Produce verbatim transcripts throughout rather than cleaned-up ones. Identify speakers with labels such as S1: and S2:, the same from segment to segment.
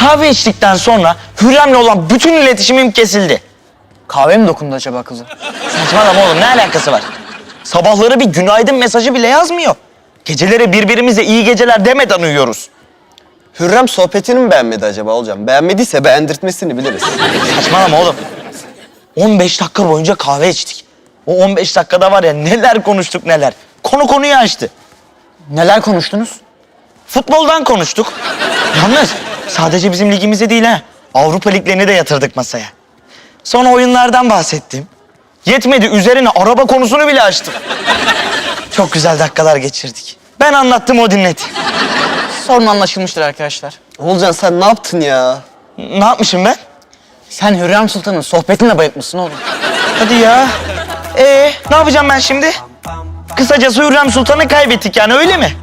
S1: Kahve içtikten sonra Hürrem'le olan bütün iletişimim kesildi.
S2: Kahve mi dokundu acaba kızı?
S1: Saçmalama oğlum, ne alakası var? Sabahları bir günaydın mesajı bile yazmıyor. Geceleri birbirimize iyi geceler demeden uyuyoruz.
S3: Hürrem sohbetini mi beğenmedi acaba Olcan? Beğenmediyse beğendirtmesini biliriz.
S1: Saçmalama oğlum. on beş dakika boyunca kahve içtik. O on beş dakikada var ya neler konuştuk neler. Konu konuyu açtı.
S2: Neler konuştunuz?
S1: Futboldan konuştuk. Yalnız sadece bizim ligimize değil ha. Avrupa liglerini de yatırdık masaya. Sonra oyunlardan bahsettim. Yetmedi, üzerine araba konusunu bile açtım. Çok güzel dakikalar geçirdik. Ben anlattım, o dinledi.
S2: Sorun anlaşılmıştır arkadaşlar.
S3: Olcan sen ne yaptın ya?
S1: Ne yapmışım ben?
S2: Sen Hürrem Sultan'ın sohbetinle bayıltmışsın oğlum.
S1: Hadi ya. Ee, ne yapacağım ben şimdi? Kısacası Hürrem Sultan'ı kaybettik yani, öyle mi?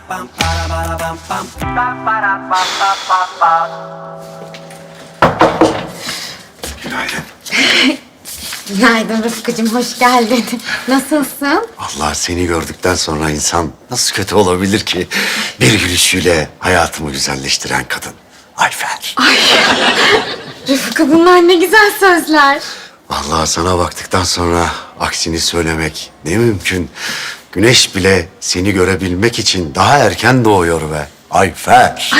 S4: Günaydın.
S5: Günaydın Rıfkı'cığım, hoş geldin. Nasılsın?
S4: Allah, seni gördükten sonra insan nasıl kötü olabilir ki? Bir gülüşüyle hayatımı güzelleştiren kadın. Ayfer.
S5: Rıfkı, bunlar ne güzel sözler.
S4: Vallahi sana baktıktan sonra aksini söylemek ne mümkün. Güneş bile seni görebilmek için daha erken doğuyor be. Ayfer.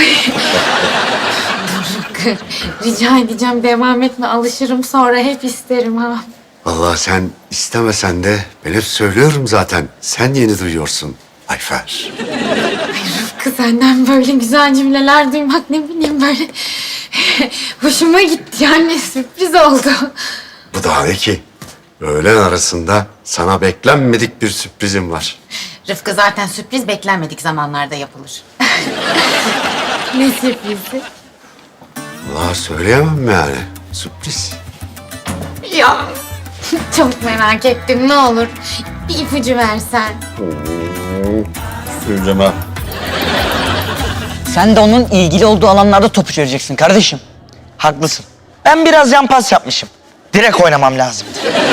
S5: Rıfkı, rica edeceğim, devam etme. Alışırım sonra, hep isterim ha.
S4: Vallahi sen istemesen de ben hep söylüyorum zaten. Sen yeni duyuyorsun Ayfer.
S5: Rıfkı, senden böyle güzel cümleler duymak, ne bileyim, böyle hoşuma gitti yani, sürpriz oldu.
S4: Bu daha ne ki? Öğlen arasında sana beklenmedik bir sürprizim var.
S6: Rıfkı, zaten sürpriz beklenmedik zamanlarda yapılır.
S5: Ne sürprizi?
S4: Vallahi söyleyemem yani. Sürpriz.
S5: Ya, çok merak ettim, ne olur bir ipucu versen.
S4: Söylemem.
S2: Sen de onun ilgili olduğu alanlarda topu çevireceksin kardeşim.
S1: Haklısın. Ben biraz yan pas yapmışım. Direkt oynamam lazım.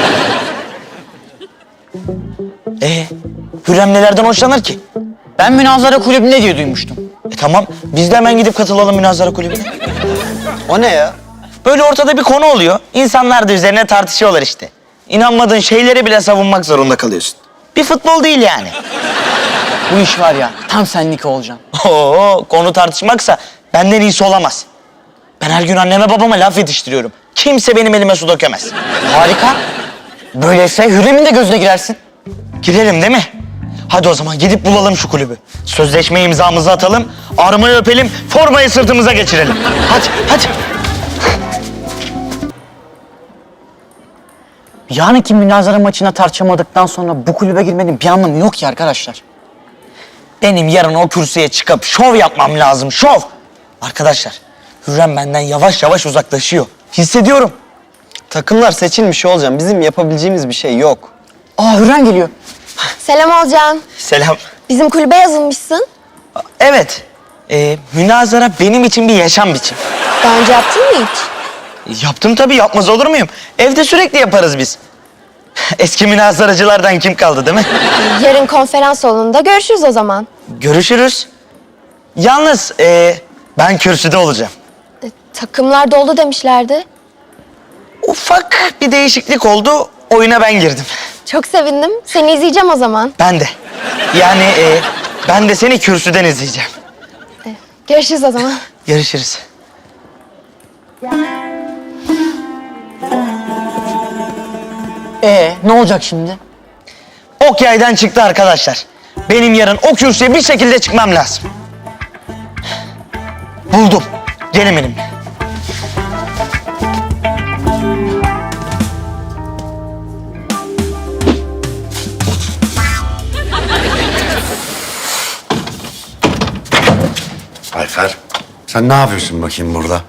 S1: Ee, Hürrem nelerden hoşlanır ki?
S2: Ben münazara kulübünde diye duymuştum.
S1: E tamam, biz de hemen gidip katılalım münazara kulübüne.
S3: O ne ya?
S1: Böyle ortada bir konu oluyor. İnsanlar da üzerine tartışıyorlar işte. İnanmadığın şeyleri bile savunmak zorunda kalıyorsun. Bir futbol değil yani.
S2: Bu iş var ya, tam senlik Olcan.
S1: Oo, konu tartışmaksa benden iyisi olamaz. Ben her gün anneme babama laf yetiştiriyorum. Kimse benim elime su dökemez.
S2: Harika. Böyleyse Hürrem'in de gözüne girersin.
S1: Girelim değil mi? Hadi o zaman gidip bulalım şu kulübü. Sözleşme imzamızı atalım, armayı öpelim, formayı sırtımıza geçirelim. Hadi, hadi.
S2: Yani ki münazara maçına tartışamadıktan sonra bu kulübe girmenin bir anlamı yok ki arkadaşlar.
S1: Benim yarın o kürsüye çıkıp şov yapmam lazım, şov. Arkadaşlar, Hürrem benden yavaş yavaş uzaklaşıyor. Hissediyorum.
S3: Takımlar seçilmiş Olcan. Bizim yapabileceğimiz bir şey yok.
S2: Aa, Hürrem geliyor.
S7: Selam Olcan.
S1: Selam.
S7: Bizim kulübe yazılmışsın.
S1: Evet, e, münazara benim için bir yaşam biçimi.
S7: Daha önce yaptın mı hiç?
S1: Yaptım tabii, yapmaz olur muyum? Evde sürekli yaparız biz. Eski münazaracılardan kim kaldı değil mi?
S7: Yarın konferans salonunda görüşürüz o zaman.
S1: Görüşürüz. Yalnız e, ben kürsüde olacağım.
S7: E, takımlar doldu demişlerdi.
S1: Ufak bir değişiklik oldu, oyuna ben girdim.
S7: Çok sevindim. Seni izleyeceğim o zaman.
S1: Ben de. Yani e, ben de seni kürsüden izleyeceğim.
S7: Görüşürüz o zaman.
S1: Görüşürüz.
S2: Ee, ne olacak şimdi?
S1: Ok yaydan çıktı arkadaşlar. Benim yarın o kürsüye bir şekilde çıkmam lazım. Buldum. Gelin benimle.
S4: Ayfer, sen ne yapıyorsun bakayım burada?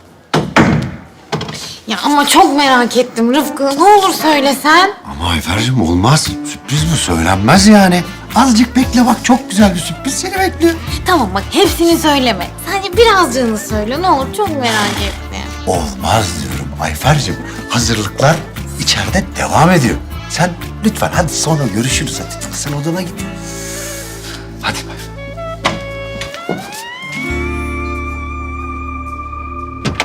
S5: Ya ama çok merak ettim Rıfkı, ne olur söylesen.
S4: Ama Ayfer'cim olmaz. Sürpriz bu, söylenmez yani. Azıcık bekle bak, çok güzel bir sürpriz seni bekliyor.
S5: Tamam bak, hepsini söyleme. Sadece birazcığını söyle, ne olur, çok merak ettim.
S4: Olmaz diyorum Ayfer'cim. Hazırlıklar içeride devam ediyor. Sen lütfen hadi sonra görüşürüz hadi. Sen odana git. Hadi Ayfer.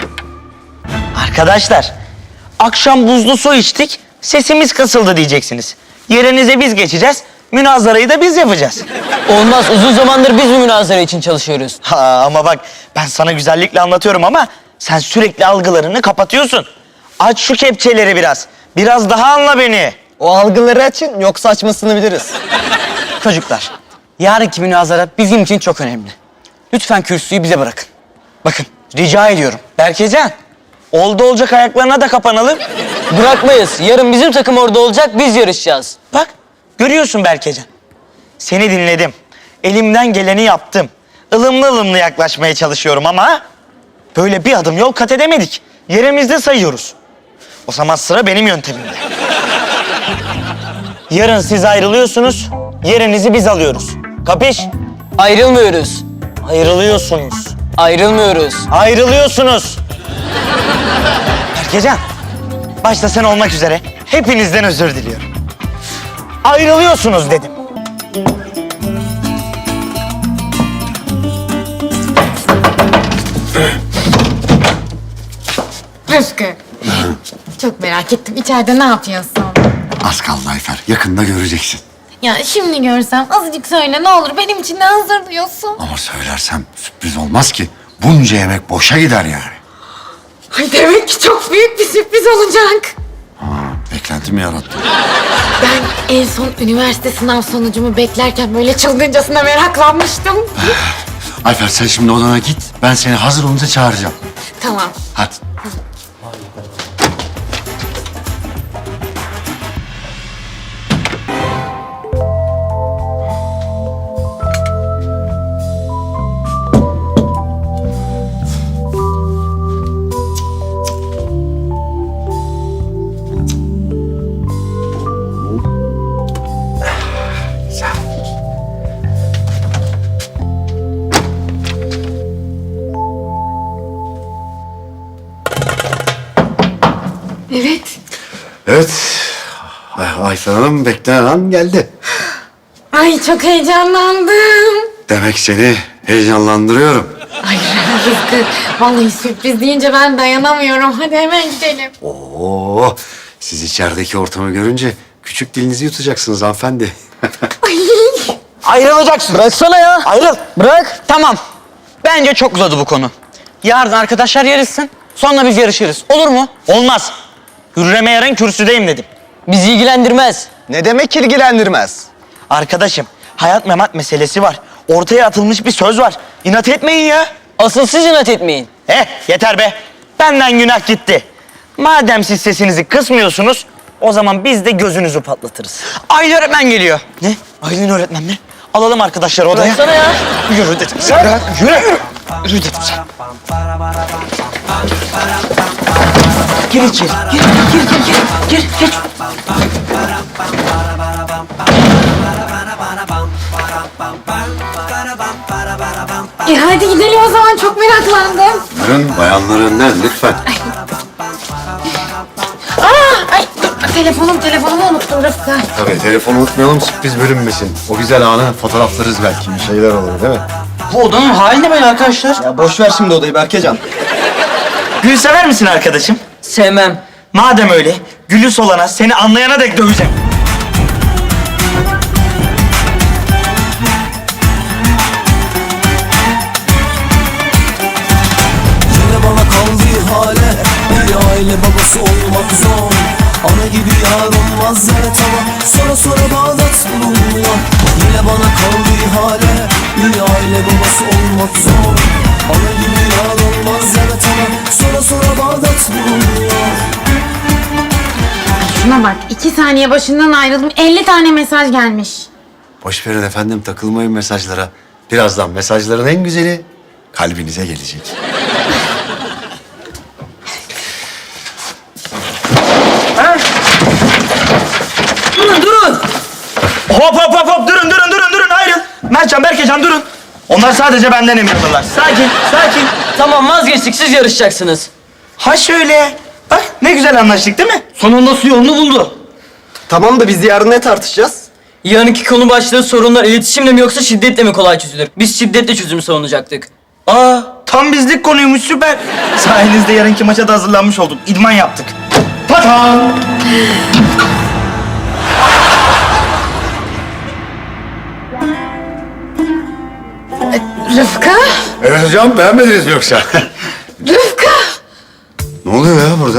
S1: Arkadaşlar, akşam buzlu su içtik, sesimiz kısıldı diyeceksiniz. Yerinize biz geçeceğiz, münazarayı da biz yapacağız.
S2: Olmaz. Uzun zamandır biz bu münazara için çalışıyoruz.
S1: Ha, ama bak ben sana güzellikle anlatıyorum ama sen sürekli algılarını kapatıyorsun. Aç şu kepçeleri biraz. Biraz daha anla beni.
S3: O algıları açın yoksa açmasını biliriz.
S2: Çocuklar, yarınki münazara bizim için çok önemli. Lütfen kürsüyü bize bırakın. Bakın, rica ediyorum.
S1: Berkecan, oldu olacak ayaklarına da kapanalım.
S2: Bırakmayız. Yarın bizim takım orada olacak, biz yarışacağız.
S1: Bak, görüyorsun Berkecan. Seni dinledim. Elimden geleni yaptım. Ilımlı ılımlı yaklaşmaya çalışıyorum ama böyle bir adım yol kat edemedik. Yerimizde sayıyoruz. O zaman sıra benim yöntemimde. Yarın siz ayrılıyorsunuz, yerinizi biz alıyoruz. Kapış?
S2: Ayrılmıyoruz.
S1: Ayrılıyorsunuz.
S2: Ayrılmıyoruz.
S1: Ayrılıyorsunuz. Berkecan, başta sen olmak üzere hepinizden özür diliyorum. Ayrılıyorsunuz dedim.
S5: Rıfkı. Çok merak ettim. İçeride ne yapıyorsun?
S4: Az kaldı Ayfer. Yakında göreceksin.
S5: Ya şimdi görsem azıcık söyle ne olur. Benim için ne hazırlıyorsun?
S4: Ama söylersem sürpriz olmaz ki. Bunca yemek boşa gider yani.
S5: Ay demek ki çok büyük bir sürpriz olacak.
S4: Beklenti mi yarattın?
S5: Ben en son üniversite sınav sonucumu beklerken böyle çılgıncasına meraklanmıştım.
S4: Ayfer sen şimdi odana git. Ben seni hazır olunca çağıracağım.
S5: Tamam.
S4: Hadi.
S5: Evet.
S4: Evet. Ay- Ayfer Hanım beklenen an geldi.
S5: Ay çok heyecanlandım.
S4: Demek seni heyecanlandırıyorum.
S5: Ay Rıfkı, vallahi sürpriz deyince ben dayanamıyorum. Hadi hemen gidelim.
S4: Oo, siz içerideki ortamı görünce küçük dilinizi yutacaksınız hanımefendi.
S1: Ayrılacaksın.
S2: Bıraksana ya.
S1: Ayrıl.
S2: Bırak. Tamam. Bence çok uzadı bu konu. Yarın arkadaşlar yarışsın. Sonra biz yarışırız. Olur mu?
S1: Olmaz. Hürrem'e yarın kürsüdeyim dedim.
S2: Bizi ilgilendirmez.
S3: Ne demek ilgilendirmez?
S1: Arkadaşım, hayat memat meselesi var. Ortaya atılmış bir söz var. İnat etmeyin ya.
S2: Asıl siz inat etmeyin.
S1: Eh, yeter be. Benden günah gitti. Madem siz sesinizi kısmıyorsunuz, o zaman biz de gözünüzü patlatırız.
S2: Aylin öğretmen geliyor.
S1: Ne? Aylin öğretmen mi? Alalım arkadaşları odaya.
S2: Bıraksana ya.
S1: Yürü dedim sana. Bırak, yürü. Yürü dedim sana. Gir içeri. Gir, gir, gir, gir. Gir, geç.
S5: E hadi gidelim o zaman, çok meraklandım.
S4: Buyurun bayanlar önden lütfen.
S5: Aa, ay dur, telefonum telefonumu unuttum Rıfkı.
S4: Tabii telefonu unutmayalım sürpriz bölünmesin. O güzel anı fotoğraflarız belki bir şeyler olur değil mi?
S2: Bu odanın hali ne böyle arkadaşlar?
S3: Ya boş ver şimdi odayı Berkecan.
S1: Gül sever misin arkadaşım?
S2: Sevmem.
S1: Madem öyle, gülü solana, seni anlayana dek döveceğim.
S8: Yine bana kaldığı hale bir aile babası olmak zor. Ana gibi yar olmaz evet ama sonra sonra Bağdat bulunmuyor. Yine bana kaldığı hale bir aile babası olmak zor. Ana gibi yar olmaz evet ama sonra sonra Bağdat bulunmuyor.
S5: Şuna bak, iki saniye başından ayrıldım, elli tane mesaj gelmiş.
S4: Boş verin efendim takılmayın mesajlara. Birazdan mesajların en güzeli kalbinize gelecek.
S2: Durun durun.
S1: Hop hop hop hop, durun durun durun durun, ayrıl. Mertcan, Berkecan durun. Onlar sadece benden emir alırlar. Sakin, sakin.
S2: Tamam vazgeçtik, siz yarışacaksınız.
S1: Ha şöyle. Bak ne güzel anlaştık değil mi?
S2: Sonunda su yolunu buldu.
S3: Tamam da biz yarın ne tartışacağız?
S2: Yarınki konu başlığı sorunlar iletişimle mi yoksa şiddetle mi kolay çözülür? Biz şiddetle çözümü savunacaktık.
S1: Aa, Tam bizlik konuymuş, süper. Sayenizde yarınki maça da hazırlanmış olduk. İdman yaptık. Patan!
S5: Rıfkı?
S4: Evet hocam, beğenmediniz mi yoksa?
S5: Rıfkı!
S4: Ne oluyor ya burada?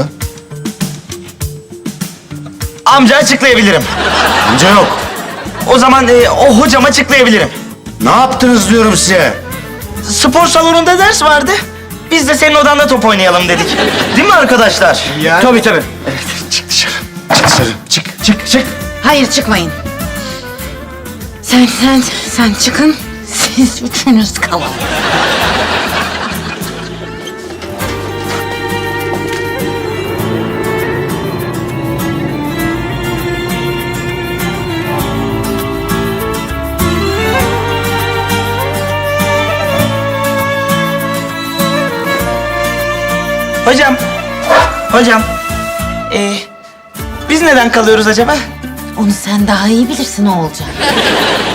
S1: Amca açıklayabilirim.
S4: Amca yok.
S1: O zaman e, o hocam açıklayabilirim.
S4: Ne yaptınız diyorum size?
S1: Spor salonunda ders vardı. Biz de senin odanda top oynayalım dedik. Değil mi arkadaşlar?
S4: Yani...
S1: Tabii tabii.
S4: Çık dışarı. Çık dışarı. Çık, çık, çık.
S6: Hayır çıkmayın. Sen sen sen çıkın. Siz üçünüz kalın.
S1: Hocam, hocam. E, biz neden kalıyoruz acaba?
S6: Onu sen daha iyi bilirsin o olacak.